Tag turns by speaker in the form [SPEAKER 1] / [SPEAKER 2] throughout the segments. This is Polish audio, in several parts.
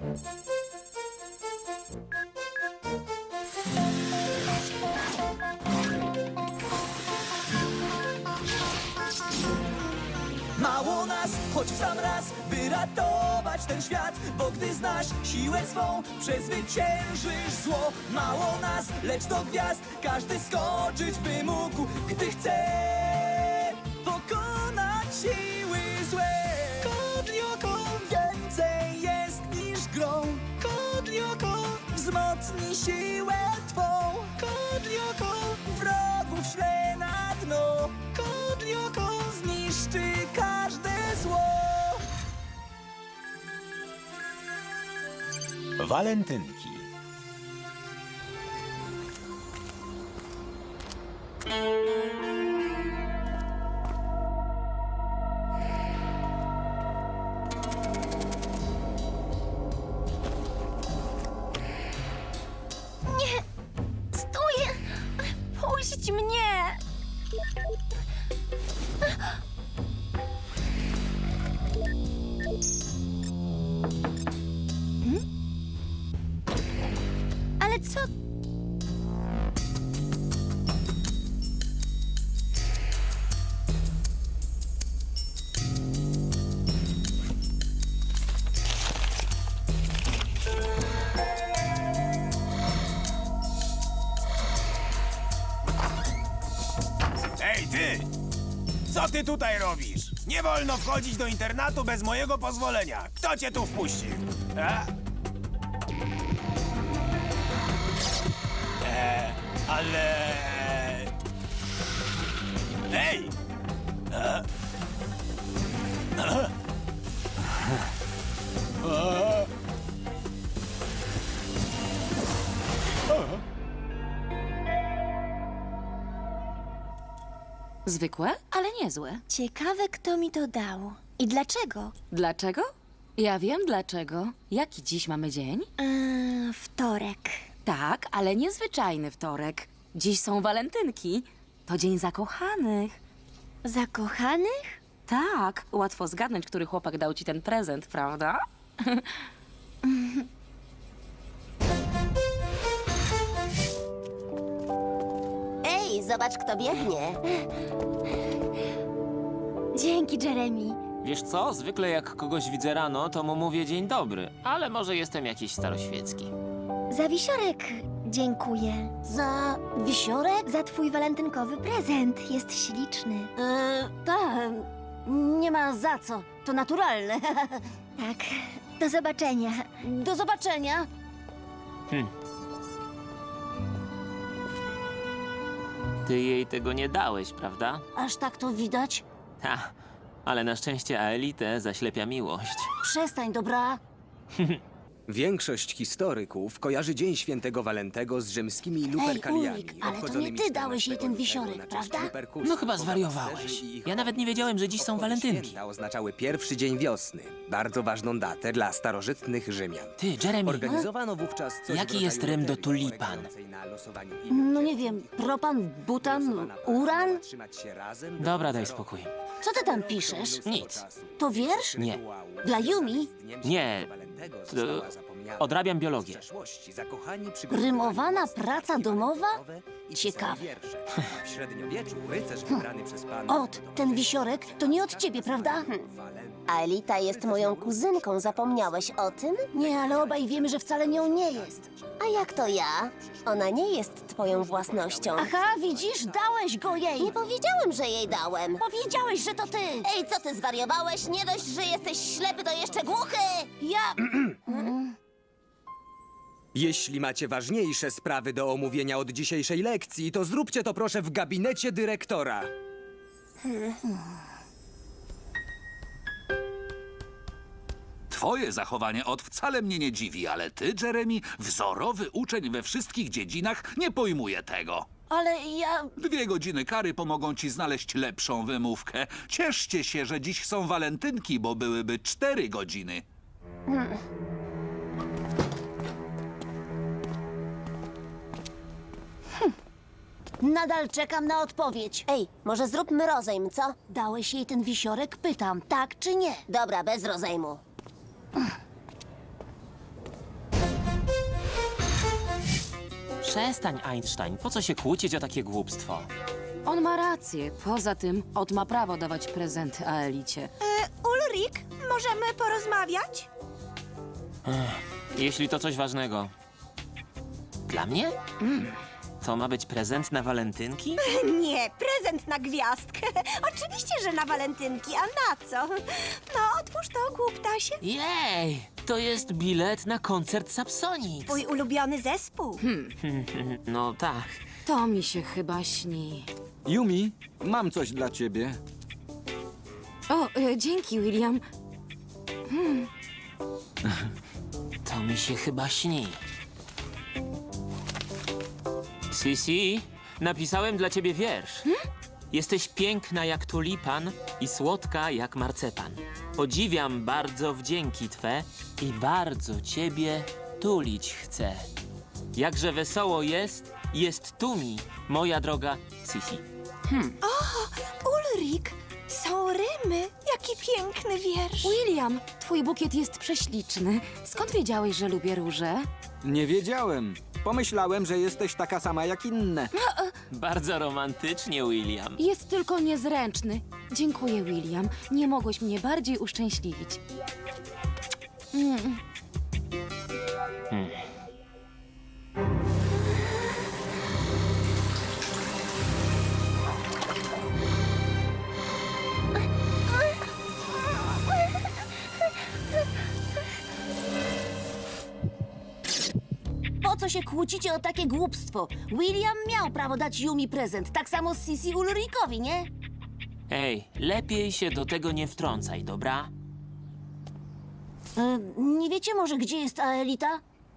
[SPEAKER 1] Mało nas, choć w sam raz, by ratować ten świat. Bo gdy znasz siłę swą, przezwyciężysz zło. Mało nas, lecz do gwiazd każdy skoczyć by mógł, gdy chce pokonać siły złe. Kodlioko więcej jest niż grą. Kodlioko wzmocni siłę twą. Kodlioko wrogów śle na dno. Kodlioko zniszczy każde zło.
[SPEAKER 2] Walentynki.
[SPEAKER 3] Nie! Stój! Puść mnie! Ale co?
[SPEAKER 4] Ej, ty! Co ty tutaj robisz? Nie wolno wchodzić do internatu bez mojego pozwolenia. Kto cię tu wpuścił? A? Ale... Ej!
[SPEAKER 5] Zwykłe, ale niezłe.
[SPEAKER 3] Ciekawe, kto mi to dał. I dlaczego?
[SPEAKER 5] Dlaczego? Ja wiem dlaczego. Jaki dziś mamy dzień?
[SPEAKER 3] Wtorek.
[SPEAKER 5] Tak, ale niezwyczajny wtorek. Dziś są walentynki. To dzień zakochanych.
[SPEAKER 3] Zakochanych?
[SPEAKER 5] Tak, łatwo zgadnąć, który chłopak dał ci ten prezent, prawda?
[SPEAKER 6] Ej, zobacz, kto biegnie.
[SPEAKER 3] Dzięki, Jeremy.
[SPEAKER 7] Wiesz co, zwykle jak kogoś widzę rano, to mu mówię dzień dobry, ale może jestem jakiś staroświecki.
[SPEAKER 3] Za wisiorek dziękuję.
[SPEAKER 6] Za wisiorek?
[SPEAKER 3] Za twój walentynkowy prezent. Jest śliczny.
[SPEAKER 6] Nie ma za co. To naturalne.
[SPEAKER 3] Tak. Do zobaczenia.
[SPEAKER 6] Do zobaczenia.
[SPEAKER 7] Ty jej tego nie dałeś, prawda?
[SPEAKER 6] Aż tak to widać?
[SPEAKER 7] Ha, ale na szczęście Aelitę zaślepia miłość.
[SPEAKER 6] Przestań, dobra?
[SPEAKER 8] Większość historyków kojarzy Dzień Świętego Walentego z rzymskimi luperkaliami.
[SPEAKER 6] Ulrik, ale to nie
[SPEAKER 8] obchodzonymi
[SPEAKER 6] ty dałeś jej ten
[SPEAKER 8] 14
[SPEAKER 6] wisiorek,
[SPEAKER 8] lutego na cześć
[SPEAKER 6] prawda?
[SPEAKER 8] Luperkusów.
[SPEAKER 7] No chyba
[SPEAKER 8] Owa
[SPEAKER 7] zwariowałeś.
[SPEAKER 8] pasterzy i ich
[SPEAKER 7] Ja nawet nie wiedziałem, że dziś są
[SPEAKER 8] obchody
[SPEAKER 7] walentynki.
[SPEAKER 8] Święta oznaczały pierwszy dzień wiosny, bardzo ważną datę dla starożytnych Rzymian.
[SPEAKER 7] Ty, Jeremy,
[SPEAKER 8] Organizowano wówczas coś
[SPEAKER 7] Jaki
[SPEAKER 8] w rodzaju
[SPEAKER 7] jest rym do
[SPEAKER 8] loterii
[SPEAKER 7] tulipan?
[SPEAKER 8] polegającej na losowaniu
[SPEAKER 6] No nie wiem, propan, butan,
[SPEAKER 8] Głosowana para
[SPEAKER 6] uran?
[SPEAKER 8] miała trzymać się razem do
[SPEAKER 7] Dobra,
[SPEAKER 8] końca
[SPEAKER 7] daj
[SPEAKER 8] roku.
[SPEAKER 7] spokój.
[SPEAKER 6] Co ty tam piszesz?
[SPEAKER 7] Nic.
[SPEAKER 6] To wiersz?
[SPEAKER 7] Nie.
[SPEAKER 6] Dla Yumi?
[SPEAKER 7] Nie. Odrabiam biologię.
[SPEAKER 6] Rymowana praca domowa? Ciekawe.
[SPEAKER 8] W średniowieczu rycerz wybrany przez pana...
[SPEAKER 6] Ten wisiorek to nie od ciebie, prawda? Aelita jest moją kuzynką, zapomniałeś o tym? Nie, ale obaj wiemy, że wcale nią nie jest.
[SPEAKER 9] A jak to ja? Ona nie jest twoją własnością.
[SPEAKER 6] Aha, widzisz, dałeś go jej.
[SPEAKER 9] Nie powiedziałem, że jej dałem.
[SPEAKER 6] Powiedziałeś, że to ty.
[SPEAKER 9] Ej, co ty zwariowałeś? Nie dość, że jesteś ślepy, to jeszcze głuchy!
[SPEAKER 6] Ja...
[SPEAKER 8] Jeśli macie ważniejsze sprawy do omówienia od dzisiejszej lekcji, to zróbcie to proszę w gabinecie dyrektora.
[SPEAKER 10] Twoje zachowanie wcale mnie nie dziwi, ale ty, Jeremy, wzorowy uczeń we wszystkich dziedzinach, nie pojmuję tego.
[SPEAKER 6] Ale ja...
[SPEAKER 10] 2 godziny kary pomogą ci znaleźć lepszą wymówkę. Cieszcie się, że dziś są walentynki, bo byłyby 4 godziny.
[SPEAKER 6] Nadal czekam na odpowiedź.
[SPEAKER 9] Ej, może zróbmy rozejm, co?
[SPEAKER 6] Dałeś jej ten wisiorek? Pytam, tak czy nie?
[SPEAKER 9] Dobra, bez rozejmu.
[SPEAKER 7] przestań, Einstein. Po co się kłócić o takie głupstwo?
[SPEAKER 5] On ma rację. Poza tym, Ot ma prawo dawać prezenty Aelicie.
[SPEAKER 2] Ulrik, możemy porozmawiać?
[SPEAKER 7] Jeśli to coś ważnego. Dla mnie? To ma być prezent na walentynki?
[SPEAKER 2] Nie, prezent na gwiazdkę. Oczywiście, że na walentynki, a na co? No, otwórz to, głuptasie.
[SPEAKER 7] Jej! To jest bilet na koncert Sapsonic.
[SPEAKER 2] Twój ulubiony zespół.
[SPEAKER 7] No tak.
[SPEAKER 5] To mi się chyba śni.
[SPEAKER 8] Yumi, mam coś dla ciebie.
[SPEAKER 5] O, dzięki, William.
[SPEAKER 7] To mi się chyba śni. Sisi, napisałem dla ciebie wiersz. Jesteś piękna jak tulipan i słodka jak marcepan. Podziwiam bardzo wdzięki twe i bardzo ciebie tulić chcę. Jakże wesoło jest tu mi, moja droga Sisi.
[SPEAKER 2] Ulrik, są rymy. Jaki piękny wiersz.
[SPEAKER 5] William, twój bukiet jest prześliczny. Skąd wiedziałeś, że lubię róże?
[SPEAKER 8] Nie wiedziałem. Pomyślałem, że jesteś taka sama jak inne.
[SPEAKER 7] Bardzo romantycznie, William.
[SPEAKER 5] Jest tylko niezręczny. Dziękuję, William. Nie mogłeś mnie bardziej uszczęśliwić.
[SPEAKER 6] Po co się kłócicie o takie głupstwo? William miał prawo dać Yumi prezent, tak samo Sisi Ulrikowi, nie?
[SPEAKER 7] Ej, lepiej się do tego nie wtrącaj, dobra?
[SPEAKER 6] Nie wiecie może, gdzie jest Aelita?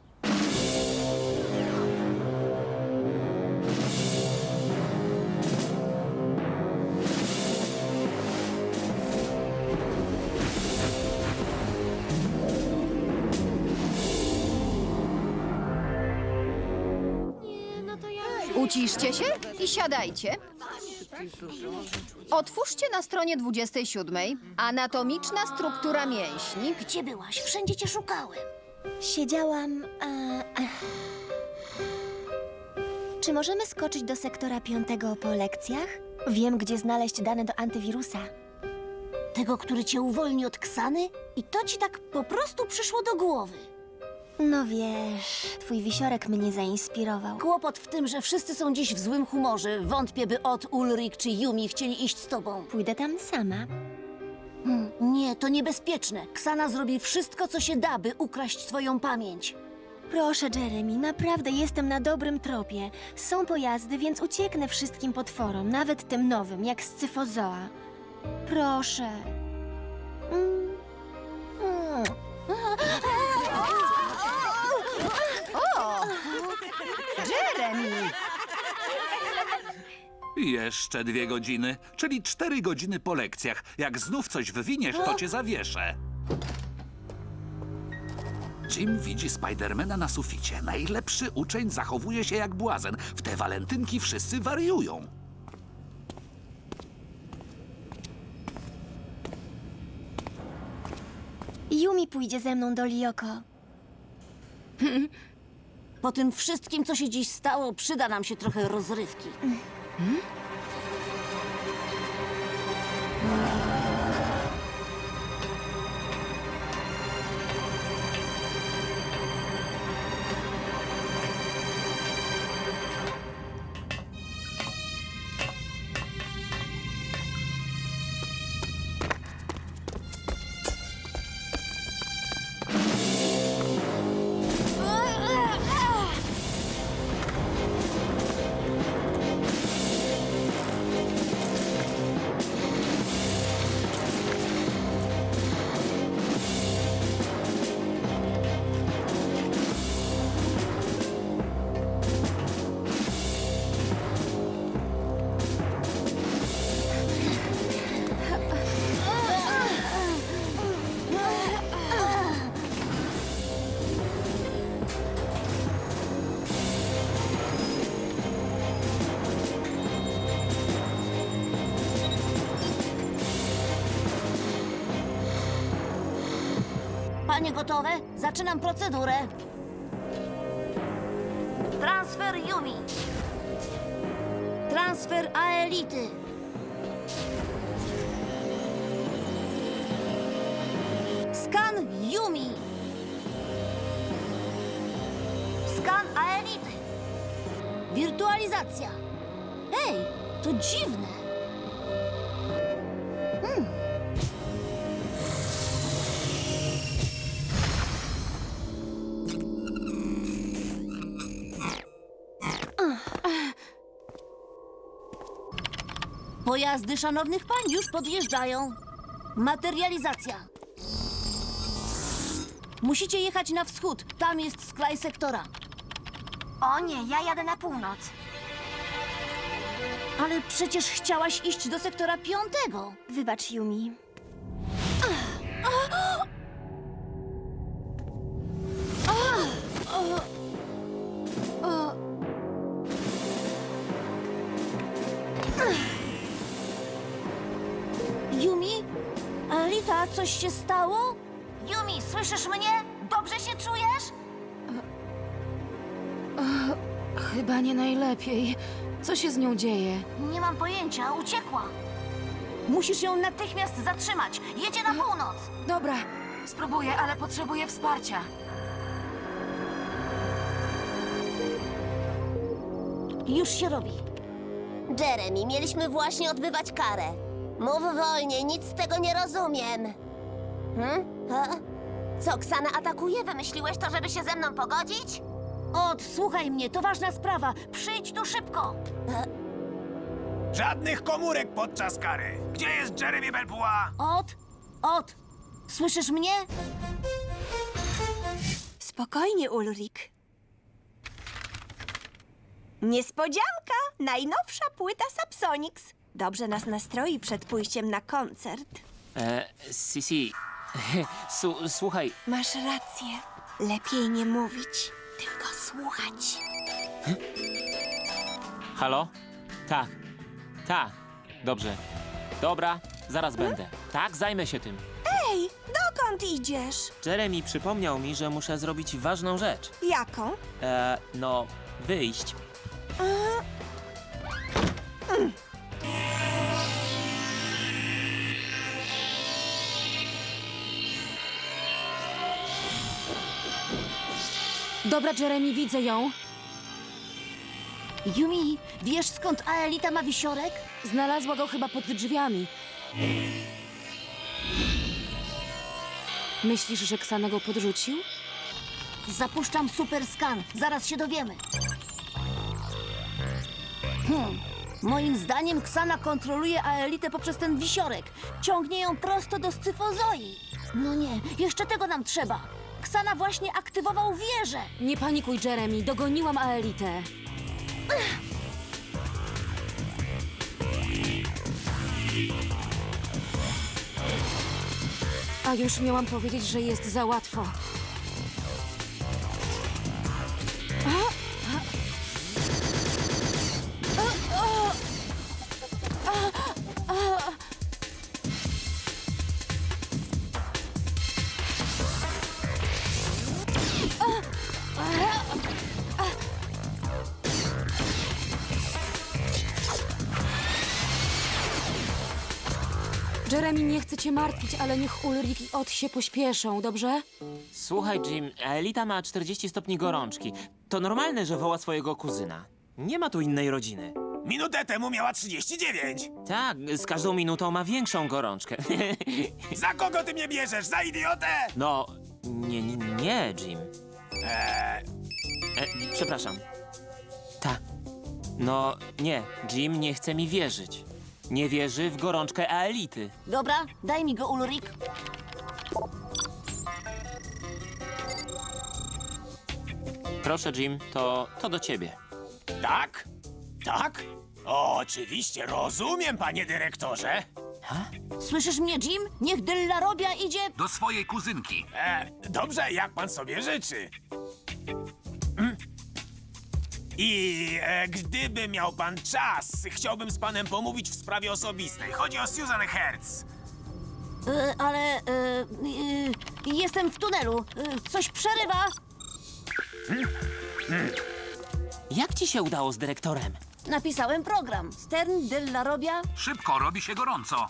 [SPEAKER 11] Uciszcie się i siadajcie. Otwórzcie na stronie 27. Anatomiczna struktura mięśni.
[SPEAKER 6] Gdzie byłaś? Wszędzie cię szukałem.
[SPEAKER 3] Siedziałam. Czy możemy skoczyć do sektora 5 po lekcjach? Wiem, gdzie znaleźć dane do antywirusa.
[SPEAKER 6] Tego, który cię uwolni od Ksany? I to ci tak po prostu przyszło do głowy.
[SPEAKER 3] No wiesz, twój wisiorek mnie zainspirował.
[SPEAKER 6] Kłopot w tym, że wszyscy są dziś w złym humorze. Wątpię, by Ot, Ulrik czy Yumi chcieli iść z tobą.
[SPEAKER 3] Pójdę tam sama.
[SPEAKER 6] Nie, to niebezpieczne. Ksana zrobi wszystko, co się da, by ukraść twoją pamięć.
[SPEAKER 3] Proszę, Jeremy, naprawdę jestem na dobrym tropie. Są pojazdy, więc ucieknę wszystkim potworom, nawet tym nowym, jak Scyphozoa. Proszę.
[SPEAKER 11] Jeremy!
[SPEAKER 10] Jeszcze 2 godziny, czyli 4 godziny po lekcjach. Jak znów coś wywiniesz, to cię zawieszę. Jim widzi Spidermana na suficie. Najlepszy uczeń zachowuje się jak błazen. W te walentynki wszyscy wariują.
[SPEAKER 3] Yumi pójdzie ze mną do Lioko.
[SPEAKER 6] Po tym wszystkim, co się dziś stało, przyda nam się trochę rozrywki. Panie gotowe? Zaczynam procedurę. Transfer Yumi. Transfer Aelity. Skan Yumi. Skan Aelity. Wirtualizacja. Ej, to dziwne. Pojazdy szanownych pań już podjeżdżają. Materializacja. Musicie jechać na wschód. Tam jest skraj sektora.
[SPEAKER 3] O nie, ja jadę na północ.
[SPEAKER 6] Ale przecież chciałaś iść do sektora 5.
[SPEAKER 3] Wybacz, Yumi.
[SPEAKER 6] Yumi? Alita, coś się stało? Yumi, słyszysz mnie? Dobrze się czujesz?
[SPEAKER 5] Chyba nie najlepiej. Co się z nią dzieje?
[SPEAKER 6] Nie mam pojęcia, uciekła. Musisz ją natychmiast zatrzymać. Jedzie na północ.
[SPEAKER 5] Dobra, spróbuję, ale potrzebuję wsparcia.
[SPEAKER 6] Już się robi.
[SPEAKER 9] Jeremy, mieliśmy właśnie odbywać karę. Mów wolniej, nic z tego nie rozumiem. Co, Ksana atakuje? Wymyśliłeś to, żeby się ze mną pogodzić?
[SPEAKER 6] Słuchaj mnie, to ważna sprawa. Przyjdź tu szybko.
[SPEAKER 4] Żadnych komórek podczas kary. Gdzie jest Jeremy Belpua?
[SPEAKER 6] Słyszysz mnie?
[SPEAKER 2] Spokojnie, Ulrik. Niespodzianka! Najnowsza płyta Sapsonix. Dobrze nas nastroi przed pójściem na koncert.
[SPEAKER 7] Sisi, słuchaj,
[SPEAKER 2] Masz rację. Lepiej nie mówić, tylko słuchać.
[SPEAKER 7] halo? Tak, dobrze. Dobra, zaraz będę. Tak, zajmę się tym.
[SPEAKER 2] Ej, dokąd idziesz?
[SPEAKER 7] Jeremy przypomniał mi, że muszę zrobić ważną rzecz.
[SPEAKER 2] Jaką?
[SPEAKER 7] No, wyjść.
[SPEAKER 5] Dobra, Jeremy, widzę ją.
[SPEAKER 6] Yumi, wiesz skąd Aelita ma wisiorek?
[SPEAKER 5] Znalazła go chyba pod drzwiami. Myślisz, że Ksana go podrzucił?
[SPEAKER 6] Zapuszczam super skan. Zaraz się dowiemy. Moim zdaniem Ksana kontroluje Aelitę poprzez ten wisiorek. Ciągnie ją prosto do Scyfozoi. No nie, jeszcze tego nam trzeba. Ksana właśnie aktywował wieżę.
[SPEAKER 5] Nie panikuj, Jeremy, dogoniłam Aelitę. A już miałam powiedzieć, że jest za łatwo. Jeremy, nie chcę cię martwić, ale niech Ulrik i Ot się pośpieszą, dobrze?
[SPEAKER 7] Słuchaj, Jim, Elita ma 40 stopni gorączki. To normalne, że woła swojego kuzyna. Nie ma tu innej rodziny.
[SPEAKER 4] Minutę temu miała 39.
[SPEAKER 7] Tak, z każdą minutą ma większą gorączkę.
[SPEAKER 4] Za kogo ty mnie bierzesz? Za idiotę?
[SPEAKER 7] No, nie, Jim. Przepraszam. No, nie, Jim nie chce mi wierzyć. Nie wierzy w gorączkę Aelity.
[SPEAKER 6] Dobra, daj mi go, Ulrik.
[SPEAKER 7] Proszę, Jim, to do ciebie.
[SPEAKER 4] Tak? Tak? O, oczywiście, rozumiem, panie dyrektorze.
[SPEAKER 6] Słyszysz mnie, Jim? Niech Dyllarobia idzie...
[SPEAKER 10] Do swojej kuzynki.
[SPEAKER 4] Dobrze, jak pan sobie życzy. Gdyby miał pan czas, chciałbym z panem pomówić w sprawie osobistej. Chodzi o Susan Hertz.
[SPEAKER 6] jestem w tunelu. Coś przerywa.
[SPEAKER 7] Jak ci się udało z dyrektorem?
[SPEAKER 6] Napisałem program. Stern della Robia.
[SPEAKER 10] Szybko, robi się gorąco.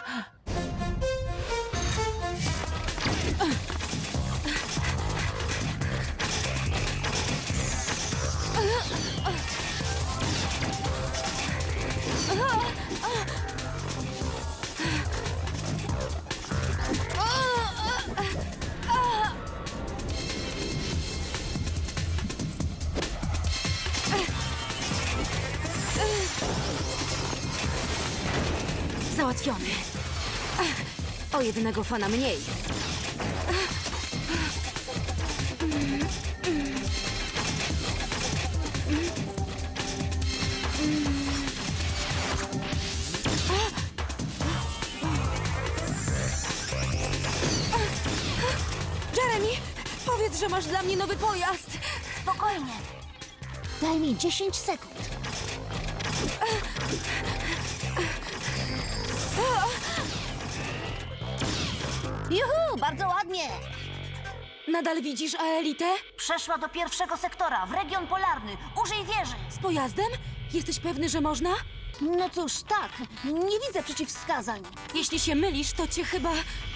[SPEAKER 5] Załatwiony. O jednego fana mniej.
[SPEAKER 2] Jeremy, powiedz, że masz dla mnie nowy pojazd.
[SPEAKER 6] Spokojnie. Daj mi 10 sekund. Juhu, bardzo ładnie.
[SPEAKER 2] Nadal widzisz Aelitę?
[SPEAKER 6] Przeszła do pierwszego sektora, w region polarny. Użyj wieży.
[SPEAKER 2] Z pojazdem? Jesteś pewny, że można?
[SPEAKER 6] No cóż, tak. Nie widzę przeciwwskazań.
[SPEAKER 2] Jeśli się mylisz, to cię chyba...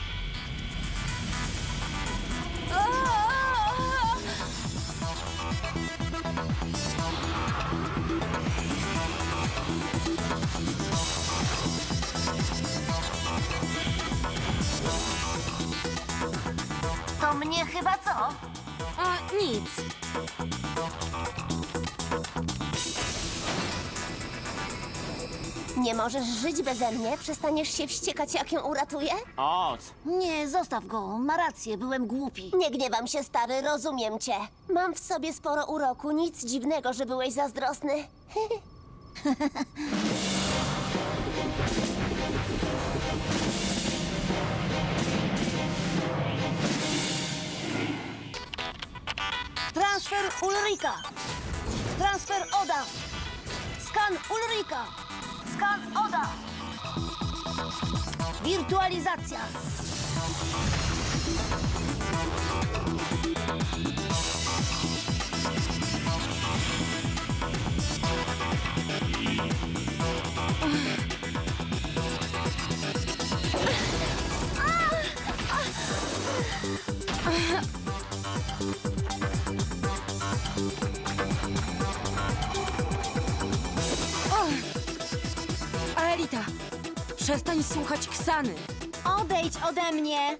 [SPEAKER 6] To mnie chyba co?
[SPEAKER 2] A, nic.
[SPEAKER 9] Nie możesz żyć beze mnie? Przestaniesz się wściekać, jak ją uratuję?
[SPEAKER 7] Ot!
[SPEAKER 6] Nie, zostaw go. Ma rację, byłem głupi.
[SPEAKER 9] Nie gniewam się, stary, rozumiem cię. Mam w sobie sporo uroku, nic dziwnego, że byłeś zazdrosny.
[SPEAKER 6] Transfer Ulrika. Transfer Oda. Skan Ulrika. Skan Oda. Wirtualizacja.
[SPEAKER 2] Aelita, przestań słuchać Ksany.
[SPEAKER 3] Odejdź ode mnie!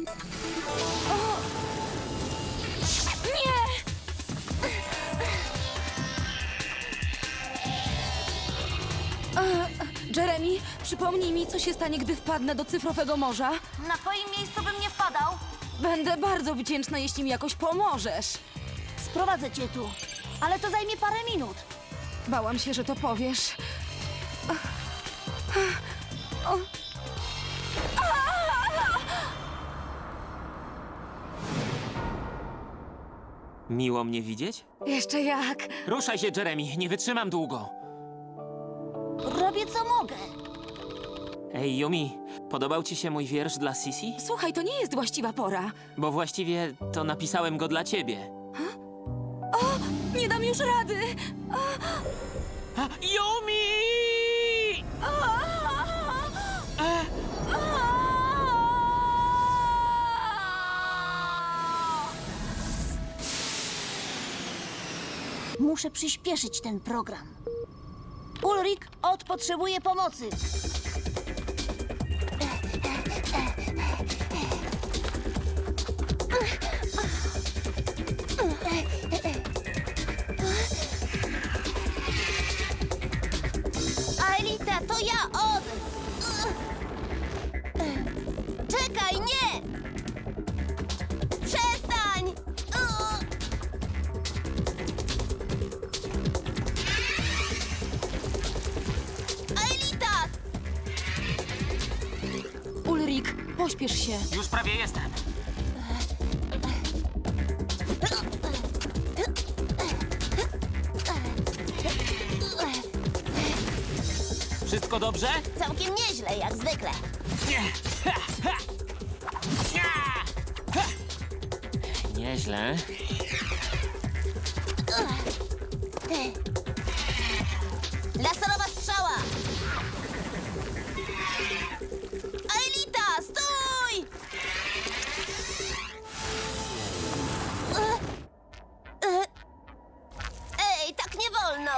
[SPEAKER 2] Jeremy, przypomnij mi, co się stanie, gdy wpadnę do cyfrowego morza.
[SPEAKER 6] Na twoim miejscu bym nie wpadał.
[SPEAKER 2] Będę bardzo wdzięczna, jeśli mi jakoś pomożesz.
[SPEAKER 6] Sprowadzę cię tu. Ale to zajmie parę minut.
[SPEAKER 2] Bałam się, że to powiesz.
[SPEAKER 7] Miło mnie widzieć?
[SPEAKER 2] Jeszcze jak.
[SPEAKER 7] Ruszaj się, Jeremy, nie wytrzymam długo.
[SPEAKER 6] Robię co mogę.
[SPEAKER 7] Ej, Yumi, podobał ci się mój wiersz dla Sisi?
[SPEAKER 2] Słuchaj, to nie jest właściwa pora.
[SPEAKER 7] Bo właściwie to napisałem go dla ciebie.
[SPEAKER 2] Nie dam już rady.
[SPEAKER 7] Yumi!
[SPEAKER 6] Muszę przyspieszyć ten program. Ulrik, Od potrzebuje pomocy.
[SPEAKER 9] Aelita, to ja, Od! Czekaj, nie! Przestań! Aelita!
[SPEAKER 2] Ulrik, pośpiesz się.
[SPEAKER 7] Już prawie jestem. Wszystko dobrze?
[SPEAKER 9] Całkiem nieźle, jak zwykle.
[SPEAKER 7] Nieźle.
[SPEAKER 9] Laserowa strzała! Aelita, stój! Ej, tak nie wolno!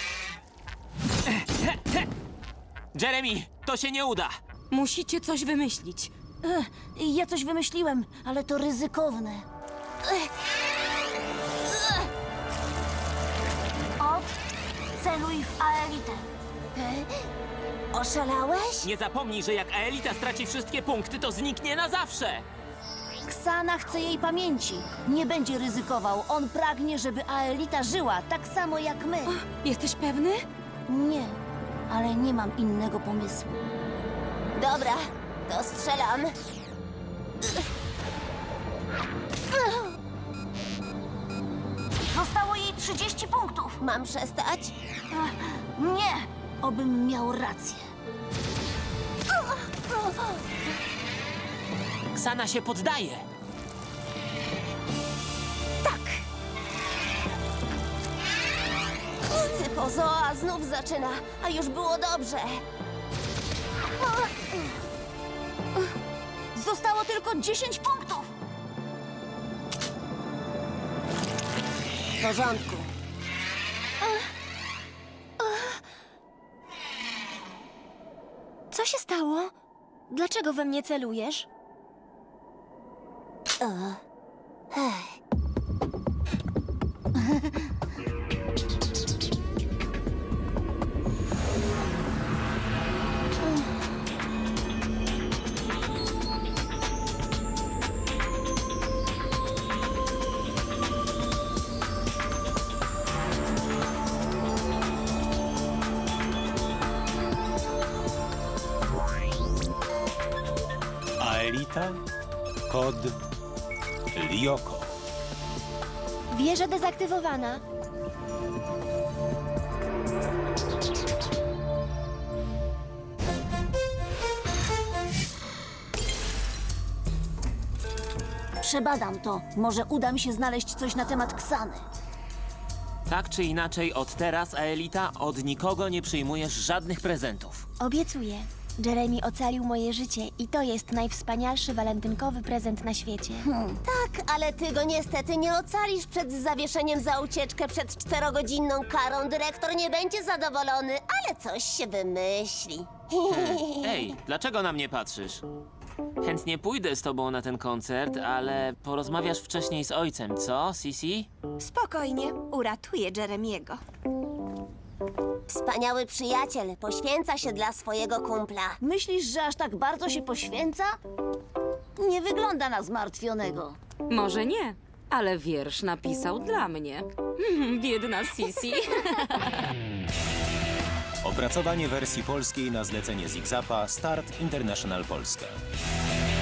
[SPEAKER 7] Jeremy, to się nie uda!
[SPEAKER 5] Musicie coś wymyślić.
[SPEAKER 6] Ja coś wymyśliłem, ale to ryzykowne. Celuj w Aelitę.
[SPEAKER 9] Oszalałeś?
[SPEAKER 7] Nie zapomnij, że jak Aelita straci wszystkie punkty, to zniknie na zawsze!
[SPEAKER 6] Ksana chce jej pamięci. Nie będzie ryzykował. On pragnie, żeby Aelita żyła, tak samo jak my.
[SPEAKER 5] Jesteś pewny?
[SPEAKER 6] Nie, ale nie mam innego pomysłu.
[SPEAKER 9] Dobra, to strzelam.
[SPEAKER 6] Zostało jej 30 punktów.
[SPEAKER 9] Mam przestać?
[SPEAKER 6] Nie, obym miał rację.
[SPEAKER 7] Ksana się poddaje!
[SPEAKER 9] Scyfozoa znów zaczyna, a już było dobrze.
[SPEAKER 6] Zostało tylko 10 punktów.
[SPEAKER 9] W porządku.
[SPEAKER 3] Co się stało? Dlaczego we mnie celujesz?
[SPEAKER 12] Aelita, kod Lyoko.
[SPEAKER 3] Wieża dezaktywowana.
[SPEAKER 6] Przebadam to. Może uda mi się znaleźć coś na temat Ksany.
[SPEAKER 7] Tak czy inaczej, od teraz, Aelita, od nikogo nie przyjmujesz żadnych prezentów.
[SPEAKER 3] Obiecuję. Jeremy ocalił moje życie i to jest najwspanialszy walentynkowy prezent na świecie.
[SPEAKER 9] Tak, ale ty go niestety nie ocalisz przed zawieszeniem za ucieczkę przed 4-godzinną karą. Dyrektor nie będzie zadowolony, ale coś się wymyśli.
[SPEAKER 7] Ej, dlaczego na mnie patrzysz? Chętnie pójdę z tobą na ten koncert, ale porozmawiasz wcześniej z ojcem, co, Sisi?
[SPEAKER 2] Spokojnie, uratuję Jeremiego.
[SPEAKER 9] Wspaniały przyjaciel poświęca się dla swojego kumpla.
[SPEAKER 6] Myślisz, że aż tak bardzo się poświęca? Nie wygląda na zmartwionego.
[SPEAKER 5] Może nie, ale wiersz napisał dla mnie. Biedna Sisi.
[SPEAKER 12] Opracowanie wersji polskiej na zlecenie Zigzapa Start International Polska.